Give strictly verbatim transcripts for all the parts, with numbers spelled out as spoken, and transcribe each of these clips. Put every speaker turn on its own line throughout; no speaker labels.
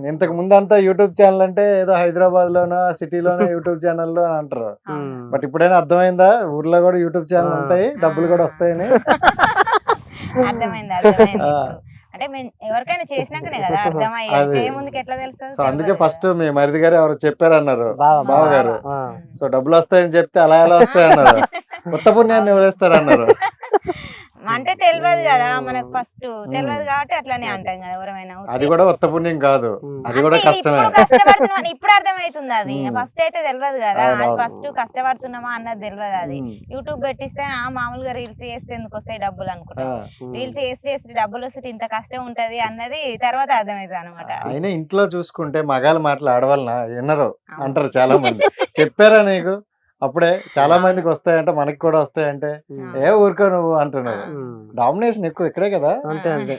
ఇంతకు ముందు అంతా యూట్యూబ్ ఛానల్ అంటే ఏదో హైదరాబాద్ లోనో సిటీలోనో యూట్యూబ్ ఛానల్లో అంటారు. బట్ ఇప్పుడైనా అర్థమైందా ఊర్లో కూడా యూట్యూబ్ ఛానల్ ఉంటాయి, డబ్బులు కూడా వస్తాయని?
అర్థమైంది అర్థమైంది అంటే మేము ఎవరికైనా చేసినాకనే కదా అర్థమయ్యేది, చేయ ముందుకు ఎట్లా తెలుసు.
సో అందుకే ఫస్ట్ మీ మరిది గారు ఎవరు చెప్పారన్నారు, బావ గారు. సో డబ్బులు వస్తాయని చెప్తే అలా ఎలా వస్తాయన్నారు, కొత్త పుణ్యాన్ని వదిలేస్తారన్నారు.
అంటే తెలియదు కదా మనకు, ఫస్ట్ తెలియదు కాబట్టి అట్లానే అంటాం కదా ఎవరైనా.
అది కూడా కొత్త పుణ్యం కాదు, అది కూడా కష్టమే.
కష్టపడుతున్నాం ఇప్పుడు అర్థమవుతుంది, అది ఫస్ట్ అయితే తెలియదు కదా. అది ఫస్ట్ కష్టపడుతున్నామా అన్నది తెలియదు. అది యూట్యూబ్ పెట్టిస్తే ఆ మామూలుగా రీల్స్ చేస్తే ఎందుకు వస్తాయి డబ్బులు అనుకుంటాం, రీల్స్ చేసి చేసి డబ్బులు వస్తే ఇంత కష్టం ఉంటది అన్నది తర్వాత అర్థమవుతుంది అనమాట.
అయినా ఇంట్లో చూసుకుంటే మగాళ్ళ మాటలు ఆడవాళ్ళ వినరు అంటారు చాలా మంది. చెప్పారా నీకు అప్పుడే చాలా మందికి వస్తాయంటే మనకి కూడా వస్తాయంటే ఏ ఊరుకో నువ్వు అంటున్నారు. డామినేషన్ ఎక్కువ ఇక్కడే కదా.
అంతే అంతే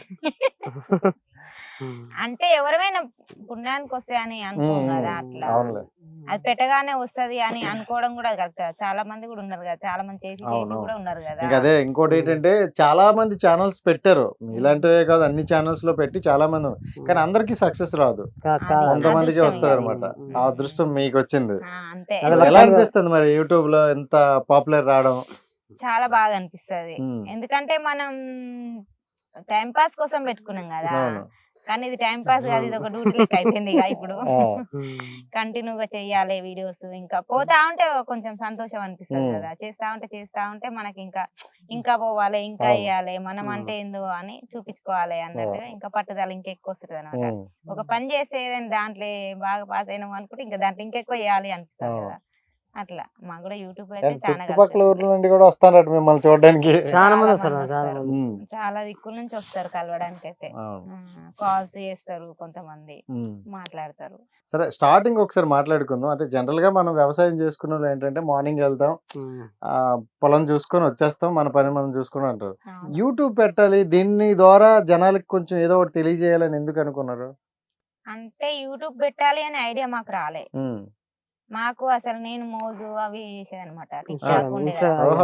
అంటే ఎవరైనా పుణ్యానికి వస్తాయని అనుకోం కదా, అట్లా అది పెట్టగానే వస్తది అని అనుకోవడం కూడా కరెక్ట్. చాలా మంది కూడా ఉన్నారు కదా, చాలా మంది చేసి చేసి కూడా ఉన్నారు కదా.
అదే ఇంకోటి ఏంటంటే చాలా మంది ఛానల్స్ పెట్టారు, ఇలాంటివే కాదు అన్ని ఛానల్స్ లో పెట్టి చాలా మంది, కానీ అందరికి సక్సెస్ రాదు, కొంతమందికి వస్తుంది అనమాట. ఆ అదృష్టం మీకు వచ్చింది. ఎలా అనిపిస్తుంది మరి యూట్యూబ్ లో ఎంత పాపులర్ రావడం?
చాలా బాగా అనిపిస్తుంది, ఎందుకంటే మనం టైం పాస్ కోసం పెట్టుకున్నాం కదా, కానీ ఇది టైం పాస్ కాదు, ఇది ఒక డ్యూటీ అయిపోయింది ఇక ఇప్పుడు. కంటిన్యూగా చెయ్యాలి వీడియోస్, ఇంకా పోతా ఉంటే కొంచెం సంతోషం అనిపిస్తుంది కదా, చేస్తా ఉంటే చేస్తా ఉంటే మనకి ఇంకా ఇంకా పోవాలి, ఇంకా వేయాలి, మనం అంటే ఏందో అని చూపించుకోవాలి అన్నట్టుగా ఇంకా పట్టుదల ఇంకా ఎక్కువ వస్తుంది అనమాట. ఒక పని చేస్తే దాంట్లో బాగా పాస్ అయినాం అనుకుంటే ఇంకా దాంట్లో ఇంకెక్కువ వేయాలి అనిపిస్తుంది కదా. అట్లా మాకు కూడా యూట్యూబ్ అయితే
చుట్టుపక్కల ఊర్ల నుండి కూడా వస్తారట మిమ్మల్ని చూడడానికి,
చాలా మంది వస్తారు,
చాలా దిక్కుల నుంచి వస్తారు కలవడానికి. అయితే కాల్స్ చేస్తారు, కొంతమంది మాట్లాడతారు.
సరే స్టార్టింగ్ ఒకసారి మాట్లాడుకుందాం. అంటే జనరల్ గా మనం వ్యవసాయం చేసుకున్న వాళ్ళు ఏంటంటే మార్నింగ్ వెళ్తాం, ఆ పొలం చూసుకొని వచ్చేస్తాం, మన పని మనం చూసుకుని అంటారు. యూట్యూబ్ పెట్టాలి, దీని ద్వారా జనాలకి కొంచెం ఏదో ఒకటి తెలియజేయాలని ఎందుకు అనుకున్నారు?
అంటే యూట్యూబ్ పెట్టాలి అనే ఐడియా మాకు రాలే. మాకు అసలు నేను మోజు అవి చేసేది అనమాట, టిక్ టాక్ ఉండేది,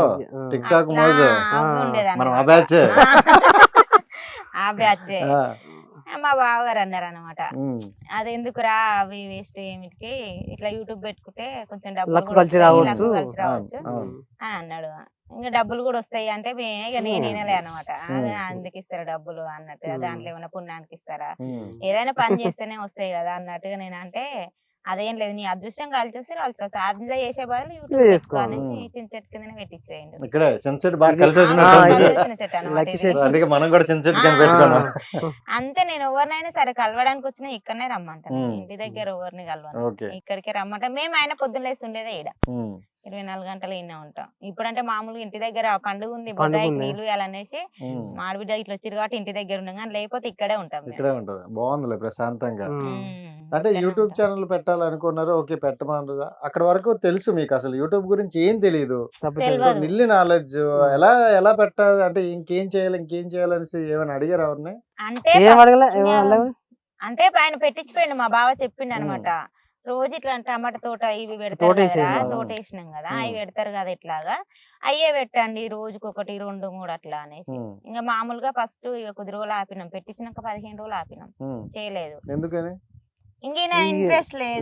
ఆ బ్యాచే. మా బావగారు అన్నారు అనమాట, అది ఎందుకురా అవి వేస్ట్ ఏమిటికి, ఇట్లా యూట్యూబ్ పెట్టుకుంటే కొంచెం డబ్బులు
కలిసి రావచ్చు
అని అన్నాడు. ఇంకా డబ్బులు కూడా వస్తాయి అంటే ఇక నేను వినలే అనమాట. అందుకు ఇస్తారా డబ్బులు అన్నట్టుగా, దాంట్లో ఏమైనా పుణ్యానికి ఇస్తారా, ఏదైనా పని చేస్తేనే వస్తాయి కదా అన్నట్టుగా నేను అంటే, అదేం లేదు నీ అదృష్టం కలిసి వస్తే కలిసి వస్తే అందులో చేసే బదులు యూట్యూబ్ చేసుకో అనేసి చిన్న చెట్టు కింద పెట్టించేయండి. అంతే, నేను ఎవరినైనా సరే కలవడానికి వచ్చినా ఇక్కడనే రమ్మంటాను, ఇంటి దగ్గర ఎవరిని కలవను, ఇక్కడికే రమ్మంటా. మేము ఆయన పొద్దున్న లేసి ఉండేదే ఈడ, ఇరవై నాలుగు గంటలు ఇన్నే ఉంటాం. ఇప్పుడంటే మామూలుగా ఇంటి దగ్గర పండుగ ఉంది, బొడ్డాయికి నీళ్ళు వేయాలనేసి మాడిబిడ్డ ఇట్లా వచ్చారు కాబట్టి ఇంటి దగ్గర ఉన్నాం, కానీ లేకపోతే ఇక్కడే ఉంటాం.
ఇక్కడే ఉంటారు, బాగుంది ప్రశాంతంగా. అంటే యూట్యూబ్ ఛానల్ పెట్టాలనుకున్నారు, ఓకే పెట్టమన్నారు, అక్కడ వరకు తెలుసు మీకు, అసలు యూట్యూబ్ గురించి ఏం తెలియదు, మిల్లి నాలెడ్జ్, ఎలా ఎలా పెట్టాలి అంటే ఇంకేం చేయాలి ఇంకేం చేయాలనేసి ఏమైనా అడిగారు ఎవరిని?
అంటే ఆయన పెట్టించిపోయిండు, మా బావ చెప్పిండు అనమాట, రోజు ఇట్లా టమాటా తోట ఇవి పెడతారు కదా, తోట వేసినాం కదా అవి పెడతారు కదా, ఇట్లాగా అయ్యే పెట్టండి రోజుకి ఒకటి రెండు మూడు అట్లా అనేసి. ఇంకా మామూలుగా ఫస్ట్ ఇక కొద్ది రోజులు ఆపినాం, పెట్టించినాక పదిహేను రోజులు ఆపినాం, చేయలేదు.
ఎందుకని?
ఇంకా ఇంట్రెస్ట్ లేదు,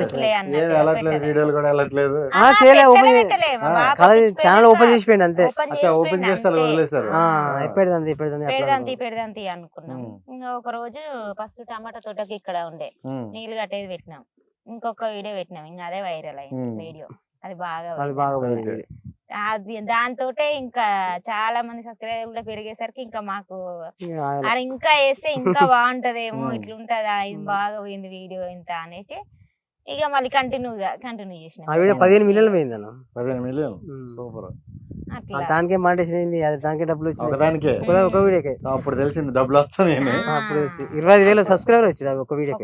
ఛానల్ ఓపెన్ చేసి అంతే,
పెడదంతి పెడదంతి అనుకున్నాం. ఇంకా ఒక రోజు ఫస్ట్ టమాటా తోటకి ఇక్కడ ఉండే నీళ్లు కట్టేది పెట్టినాం, ఇంకొక వీడియో పెట్టినాం, ఇంకా అదే వైరల్ అయింది వీడియో, అది బాగా అది. దాంతో ఇంకా చాలా మంది సబ్స్క్రైబర్ కూడా పెరిగేసరికి ఇంకా మాకు అది ఇంకా వేస్తే ఇంకా బాగుంటదేమో, ఇట్లుంటదా ఇది బాగా పోయింది వీడియో ఇంత అనేసి ఇక మళ్ళీ కంటిన్యూగా కంటిన్యూ చేసిన.
పదిహేను మిలియన్ పోయింది అన్న,
పదిహేను మిలియన్ సూపర్.
దానికే మాంటేషన్ అయింది, అది దానికే డబ్బులు వచ్చింది,
దానికే
ఒక వీడియోకే.
అప్పుడు తెలిసింది డబ్బులు వస్తాయి,
అప్పుడు తెలిసి ఇరవై ఐదు వేలు సబ్స్క్రైబర్ వచ్చారు ఒక వీడియోకి.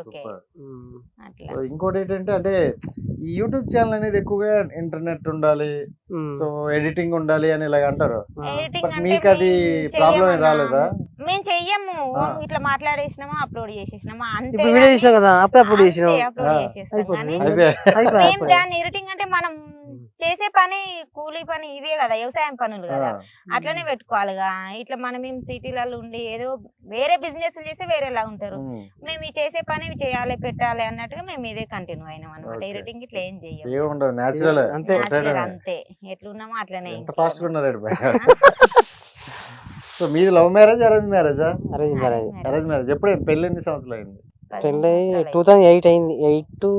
ఇంకోటి ఏంటంటే అంటే ఈ యూట్యూబ్ ఛానల్ అనేది ఎక్కువగా ఇంటర్నెట్ ఉండాలి, సో ఎడిటింగ్ ఉండాలి అని ఇలాగ అంటారు. మీకు అది ప్రాబ్లం రాలేదా?
మేము చెయ్యము, ఇట్లా మాట్లాడేసినామా అప్లోడ్ చేసేసినామా అంతే.
వీడియో చేసాం కదా అప్పుడు అప్లోడ్ చేసినాం,
అప్లోడ్ చేసేస్తాం. దాన్ని ఎడిటింగ్ అంటే మనం చేసే పని కూలీ పని ఇవే కదా, వ్యవసాయం పనులు కదా,
ఆ,
అట్లనే పెట్టుకోవాలిగా. ఇట్లా మనం ఏం సిటీలలో ఉండి ఏదో వేరే బిజినెస్ చేసి వేరేలా ఉంటారు.
ఉమ్.
మేము ఈ చేసే పని ఇవి చేయాలి పెట్టాలి అన్నట్టుగా మేము ఇదే కంటిన్యూ అయినాం అనమాట.
Okay.
ఎడిటింగ్ ఇట్లా ఏం చెయ్యం,
ఏం ఉండదు, న్యాచురల్
అంతే.
Natural అంతే, ఎట్లున్నామో అట్లనే.
ఎంత ఫాస్ట్ గా ఉన్నారు సో మీది లవ్ మ్యారేజ్ అరేంజ్ మ్యారేజా?
Arrange marriage.
Arrange marriage. ఎప్పుడు పెళ్లి ఎన్ని సంవత్సరాలు అయింది?
పెళ్ళి టూ థౌజండ్ ఎయిట్ అయింది. Eight to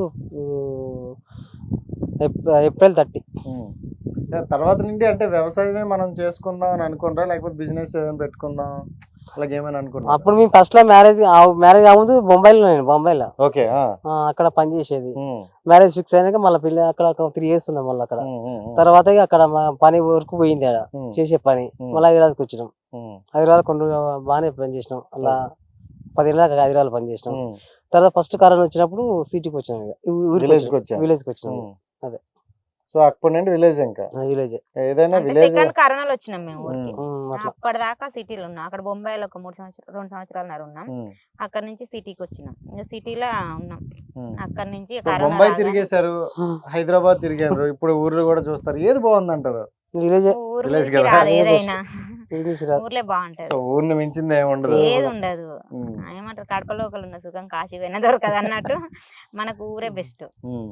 April thirty.
Um. తర్వాత నుండి అంటే వ్యవసాయమే మనం చేసుకుందాం అని అనుకుంటారా, లేకపోతే బిజినెస్ ఏదైనా పెట్టుకుందాం అలాగే ఏమైనా అనుకున్నా?
అప్పుడు మేము ఫస్ట్ లో మ్యారేజ్ మ్యారేజ్ అవ్వదు బొంబాయిలో, నేను బొంబాయిలో
ఓకే.
అక్కడ పని చేసేది. మ్యారేజ్ ఫిక్స్ అయినాక మళ్ళీ పిల్ల అక్కడ ఒక త్రీ ఇయర్స్ ఉన్నాం మళ్ళీ అక్కడ.
తర్వాత
తర్వాత ఇక అక్కడ మా పని వరకు పోయింది ఆడ చేసే పని. మళ్ళీ హైదరాబాద్కి వచ్చినాం. హైదరాబాద్ కొన్ని బాగానే పని చేసినాం. అలా పదిహేను దాకా హైదరాబాద్ పని చేసినాం. తర్వాత ఫస్ట్ కరోనా వచ్చినప్పుడు సిటీకి వచ్చినాం,
విలేజ్ కి వచ్చాం.
విలేజ్ కి వచ్చినాం. అదే.
సో అప్పటి నుండి విలేజ్, ఇంకా
విలేజ్
ఏదైనా విలేజ్.
సెకండ్ కరోనాలో వచ్చినాం మేము ఊరికి.
అట్లా.
అప్పటిదాకా సిటీలో ఉన్నాం. అక్కడ బొంబాయిలో ఒక మూడు సంవత్సరాలు రెండు సంవత్సరాలు ఉన్నాం. అక్కడ నుంచి సిటీకి వచ్చినాం, ఇంకా సిటీలో ఉన్నాం. అక్కడ నుంచి కరోనా
బొంబాయి
రాగానే
తిరిగేశారు, హైదరాబాద్ తిరిగారు, ఇప్పుడు ఊర్లో కూడా చూస్తారు. ఏది బాగుంది అంటారు?
విలేజ్.
ఊరు
విలేజ్
నుంచి
కదా.
రాదు ఏదైనా,
విలేజ్ రాదు.
ఊర్లే బాగుంటది.
సో ఊరిని మించింది ఏమి ఉండదు.
ఏది ఉండదు.
ఉమ్.
ఏమంటారు, కడపలో ఒకళ్ళు ఉన్న సుఖం కాశీ పోయినా దొరకదు అన్నట్టు మనకు ఊరే బెస్ట్.
ఉమ్.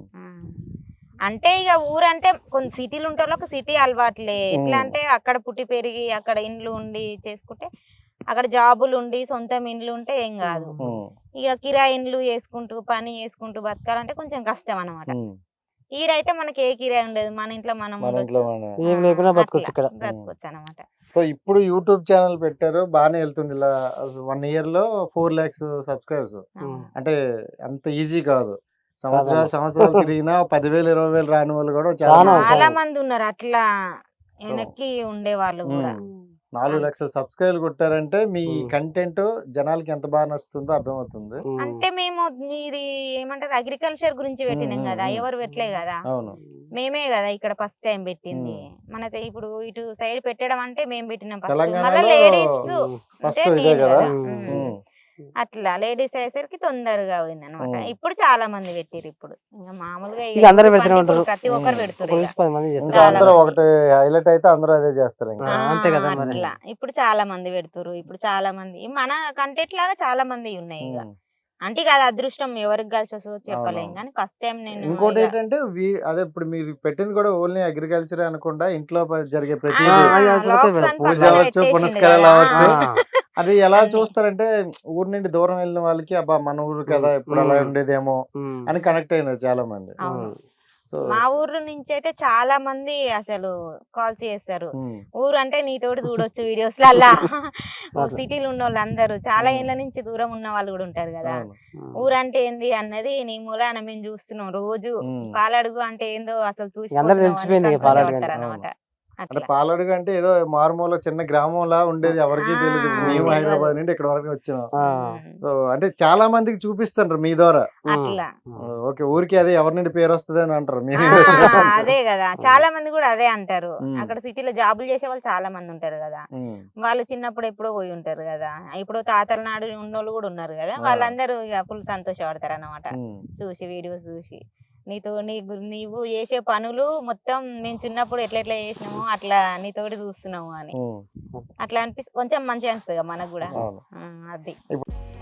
అంటే ఇక ఊరంటే కొన్ని సిటీలు ఉంటే వాళ్ళకి సిటీ అలవాట్లే. ఎట్లా అంటే అక్కడ పుట్టి పెరిగి అక్కడ ఇండ్లు ఉండి చేసుకుంటే, అక్కడ జాబులు ఉండి సొంతం ఇండ్లు ఉంటే ఏం కాదు.
ఉమ్.
ఇక కిరాయి ఇండ్లు చేసుకుంటూ పని చేసుకుంటూ బతకాలంటే కొంచెం కష్టం అనమాట.
ఉమ్.
ఈడైతే మనకి ఏ కిరాయి ఉండదు, మన ఇంట్లో మనం
మన
ఉండొచ్చు.
ఇంట్లో మన-
ఏం లేకుండా బతకొచ్చు ఇక్కడ.
బ్రతకొచ్చు అనమాట.
సో ఇప్పుడు యూట్యూబ్ ఛానల్ పెట్టారు, బాగానే వెళ్తుంది. ఇలా వన్ ఇయర్ లో ఫోర్ లాక్స్ సబ్స్క్రైబర్స్. అంటే అంత ఈజీ కాదు. సంవత్సరాలు సంవత్సరాలు తిరిగినా పదివేలు ఇరవై వేలు రాని వాళ్ళు కూడా చాలా
చాలా
మంది.
చాలా మంది ఉన్నారు అట్లా వెనక్కి ఉండే వాళ్ళు కూడా.
ఉమ్. నాలుగు లక్షల సబ్స్క్రైబ్ కొట్టారంటే మీ
ఉమ్.
కంటెంట్ జనాలకి ఎంత బాగా నచ్చుతుందో అర్థమవుతుంది.
అంటే మేము ఇది ఏమంటారు అగ్రికల్చర్ గురించి పెట్టినాం కదా, ఎవరు పెట్టలే కదా,
అవును.
మేమే కదా ఇక్కడ ఫస్ట్ టైం పెట్టింది. మన ఇప్పుడు ఇటు సైడ్ పెట్టడం అంటే మేము పెట్టినాం ఫస్ట్.
తెలంగాణలో
మళ్ళీ లేడీస్
ఫస్ట్ ఇదే కదా.
ఉమ్.
అట్లా లేడీస్ అయ్యేసరికి తొందరగా పోయింది అనమాట.
ఉమ్.
ఇప్పుడు చాలా మంది పెట్టిరు. ఇప్పుడు ఇంకా మామూలుగా
ఇక అందరూ
ఇప్పుడు
పెడుతూనే ఉంటారు.
ప్రతి ఒక్కరు
ఉమ్.
పెడుతురు
ఒక
ఇక.
నుంచి పది మంది చేస్తారు.
ఇంకా
చాలా
అందరూ
మంది.
ఒకటి హైలైట్ అయితే అందరూ అదే చేస్తారు ఇంకా.
ఆ, అంతే కదా మరి.
అట్లా ఇప్పుడు చాలా మంది పెడుతురు. ఇప్పుడు చాలా మంది మన కంటెంట్ లాగా చాలా మంది ఉన్నాయి ఇక.
ఉమ్.
అంటే కాదు అదృష్టం ఎవరికి కలిసి వస్తుందో చెప్పలేం
అవునవును.
కానీ ఫస్ట్ టైం నేను
ఇంకోటి
ఇక-
ఏంటంటే వీ- అదే ఇప్పుడు మీరు పెట్టింది కూడా ఓన్లీ అగ్రికల్చర్ అనకుండా ఇంట్లో ప- జరిగే
ఆ,
ప్రతి
ఆ, అది అది
vlogs
పక్కన
అని
పూజ
పక్కన
అవ్వచ్చు,
పెట్టేసిండు
పునస్కారాలు
కదా.
అవ్వచ్చు.
ఆ.
అది ఎలా
అన్ని.
చూస్తారంటే ఊరు నుండి దూరం వెళ్ళిన వాళ్ళకి అబ్బా మన ఊరు కదా, ఇప్పుడు అలా
ఉమ్.
ఉండేదేమో
ఉమ్.
అని కనెక్ట్ అయినారు చాలా మంది.
అవును.
సో
మా ఊరు నుంచి అయితే చాలా మంది అసలు కాల్స్ చేస్తారు.
ఉమ్.
ఊరు అంటే నీతోటి చూడొచ్చు వీడియోస్ లల్లా.
అట్లా.
సిటీలు ఉన్న వాళ్ళు అందరూ చాలా
ఉమ్.
ఏళ్ళ నుంచి దూరం ఉన్న వాళ్ళు కూడా ఉంటారు కదా.
అవును.
ఊరు అంటే ఏంది అన్నది నీ మూలాన మేము చూస్తున్నాం రోజు.
ఉమ్.
పాలడుగు అంటే ఏందో అసలు చూసి
అందరూ తెలిసిపోయింది ఇక పాలడుగు అంటే.
అనమాట.
అంటే పాలడుగు అంటే ఏదో మారుమూల చిన్న గ్రామంలా ఉండేది, ఎవరికి
ఆ,
తెలియదు. మేము
తెలియదు.
హైదరాబాద్ నుండి ఇక్కడ వరకు వచ్చినాం.
ఆ.
సో అంటే చాలా మందికి చూపిస్తారు మీ ద్వారా.
అట్లా
ఓకే ఊరికి అదే ఎవరి నుండి పేరు వస్తుంది అని అంటారు. మీరు
ఆ, అదే కదా చాలా మంది కూడా అదే అంటారు.
ఉమ్.
అక్కడ సిటీలో జాబులు చేసే వాళ్ళు చాలా మంది ఉంటారు కదా.
ఉమ్.
వాళ్ళు చిన్నప్పుడు ఎప్పుడో పోయి ఉంటారు కదా, ఇప్పుడు తాతల నాడు ఉన్నోళ్ళు కూడా ఉన్నారు కదా.
ఆ.
వాళ్ళందరూ ఇక ఫుల్ సంతోషపడతారు అన్నమాట
ఉమ్.
చూసి వీడియోస్ చూసి. నీతో నీ గు- నీవు చేసే పనులు మొత్తం మేము చిన్నప్పుడు ఎట్లా ఎట్లా చేసినామో అట్లా నీతోటి చూస్తున్నాము అని
ఉమ్.
అట్లా అనిపిస్తుంది. కొంచెం మంచిగా అనిపిస్తుంది కదా మనకు కూడా.
అవును.
ఆ, అది
ఇప్పుడు